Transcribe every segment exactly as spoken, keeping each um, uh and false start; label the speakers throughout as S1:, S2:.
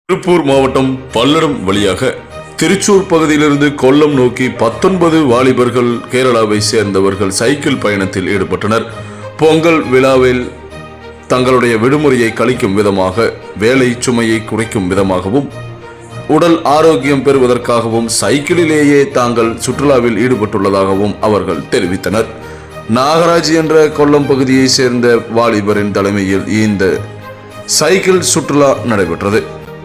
S1: திருப்பூர் மாவட்டம் பல்லடம் வழியாக திருச்சூர் பகுதியிலிருந்து கொல்லம் நோக்கி பத்தொன்பது வாலிபர்கள் கேரளாவை சேர்ந்தவர்கள் சைக்கிள் பயணத்தில் ஈடுபட்டனர். பொங்கல் விழாவில் தங்களுடைய விடுமுறையை கழிக்கும் விதமாக, வேலை சுமையை குறைக்கும் விதமாகவும், உடல் ஆரோக்கியம் பெறுவதற்காகவும் சைக்கிளிலேயே தாங்கள் சுற்றுலாவில் ஈடுபட்டுள்ளதாகவும் அவர்கள் தெரிவித்தனர். நாகராஜ் என்ற கொல்லம் பகுதியை சேர்ந்த வாலிபரின் தலைமையில் இந்த சைக்கிள் சுற்றுலா நடைபெற்றது.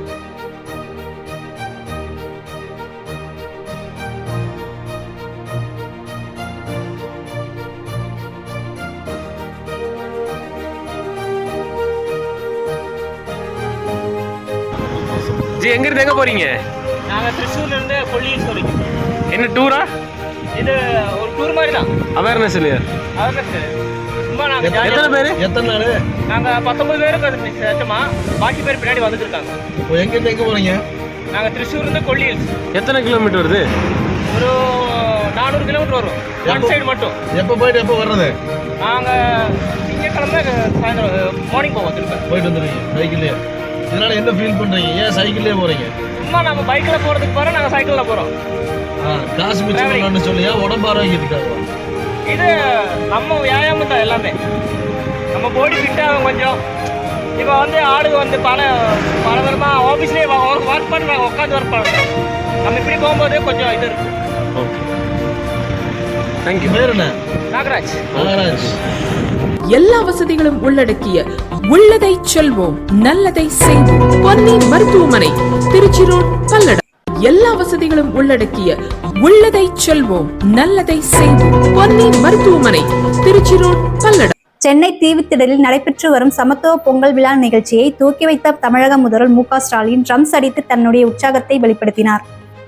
S2: ஜி எங்க இருந்து எங்க போறீங்க?
S3: நாங்க திருச்சூர்ல இருந்து கொல்லியில் போறோம்.
S2: என்ன டூரா?
S3: இது ஒரு டூர் மாதிரி தான்.
S2: அவேர்னஸ் இல்லையா?
S3: அவேர்னஸ் சும்மா நாங்க
S2: எத்தனை பேர்? எத்தனை நாள்?
S3: நாங்க பத்தொன்பது பேருக்கு சச்சமா, பாக்கி பேர் பின்னாடி வந்துட்டு இருக்காங்க.
S2: இப்போ எங்க இருந்து எங்க போறீங்க?
S3: நாங்க திருச்சூர்ல இருந்து கொல்லியில்.
S2: எத்தனை கிலோமீட்டர் வருது?
S3: ஒரு நானூறு கிலோமீட்டர் வரும் ஒன் சைடு மட்டும்.
S2: எப்போ போயிட்டு எப்போ வர்றது?
S3: நாங்க திங்கக்கிழமை சாயந்தரம் மார்னிங் போவோம். திரும்ப
S2: போயிட்டு வந்துருக்கீங்க சைக்கிள்லேயே. இதனால என்ன ஃபீல் பண்றீங்க? ஏன் சைக்கிள்லேயே போறீங்க?
S3: சும்மா நம்ம பைக்ல போறதுக்கு போறோம், நாங்க சைக்கிள்ல போறோம்.
S2: காசு மிச்சம் பண்ணணும்னு சொல்லியா? உடம்பு ஆரோக்கியத்துக்காக
S3: இது நம்ம வியாயாமம் தான் எல்லாமே. நம்ம பாடி ஃபிட் ஆகும் கொஞ்சம். இப்போ வந்து ஆளுங்க வந்து பல பல விதமாக ஆஃபீஸ்லேயே ஒர்க் பண்ணுறாங்க, உட்காந்து ஒர்க் பண்ணுறாங்க. நம்ம இப்படி போகும்போது கொஞ்சம் இது இருக்கு.
S2: Okay, thank you. பேர் என்ன?
S3: நாகராஜ்.
S2: நாகராஜ்.
S4: எல்லா வசதிகளும் உள்ளடக்கிய உள்ளதை செல்வோம், நல்லதை செய்வோம். பொன்னி மருத்துவமனை, திருச்சி ரோட், பல்லடம். எல்லா வசதிகளும் உள்ளடக்கிய உள்ளதை செல்வோம், நல்லதை செய்வோம். பொன்னி மருத்துவமனை, திருச்சி ரோட், பல்லடம்.
S5: சென்னை தீவுத்திடலில் நடைபெற்று வரும் சமத்துவ பொங்கல் விழா நிகழ்ச்சியை துவக்கி வைத்த தமிழக முதல்வர் மு க ஸ்டாலின் ட்ரம்ஸ் அடித்து தன்னுடைய உற்சாகத்தை வெளிப்படுத்தினார்.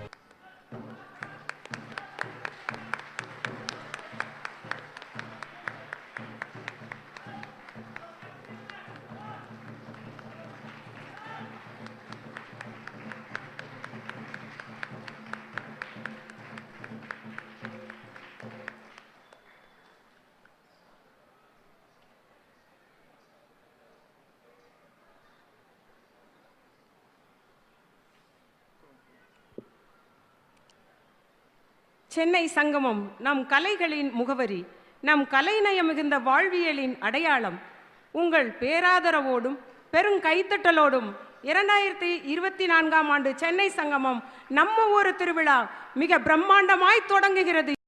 S6: சென்னை சங்கமம் நம் கலைகளின் முகவரி, நம் கலைநயம் மிகுந்த வாழ்வியலின் அடையாளம். உங்கள் பேராதரவோடும் பெருங்கைத்தட்டலோடும் இரண்டாயிரத்தி இருபத்தி நான்காம் ஆண்டு சென்னை சங்கமம் நம்ம ஊர் திருவிழா மிக பிரம்மாண்டமாய் தொடங்குகிறது.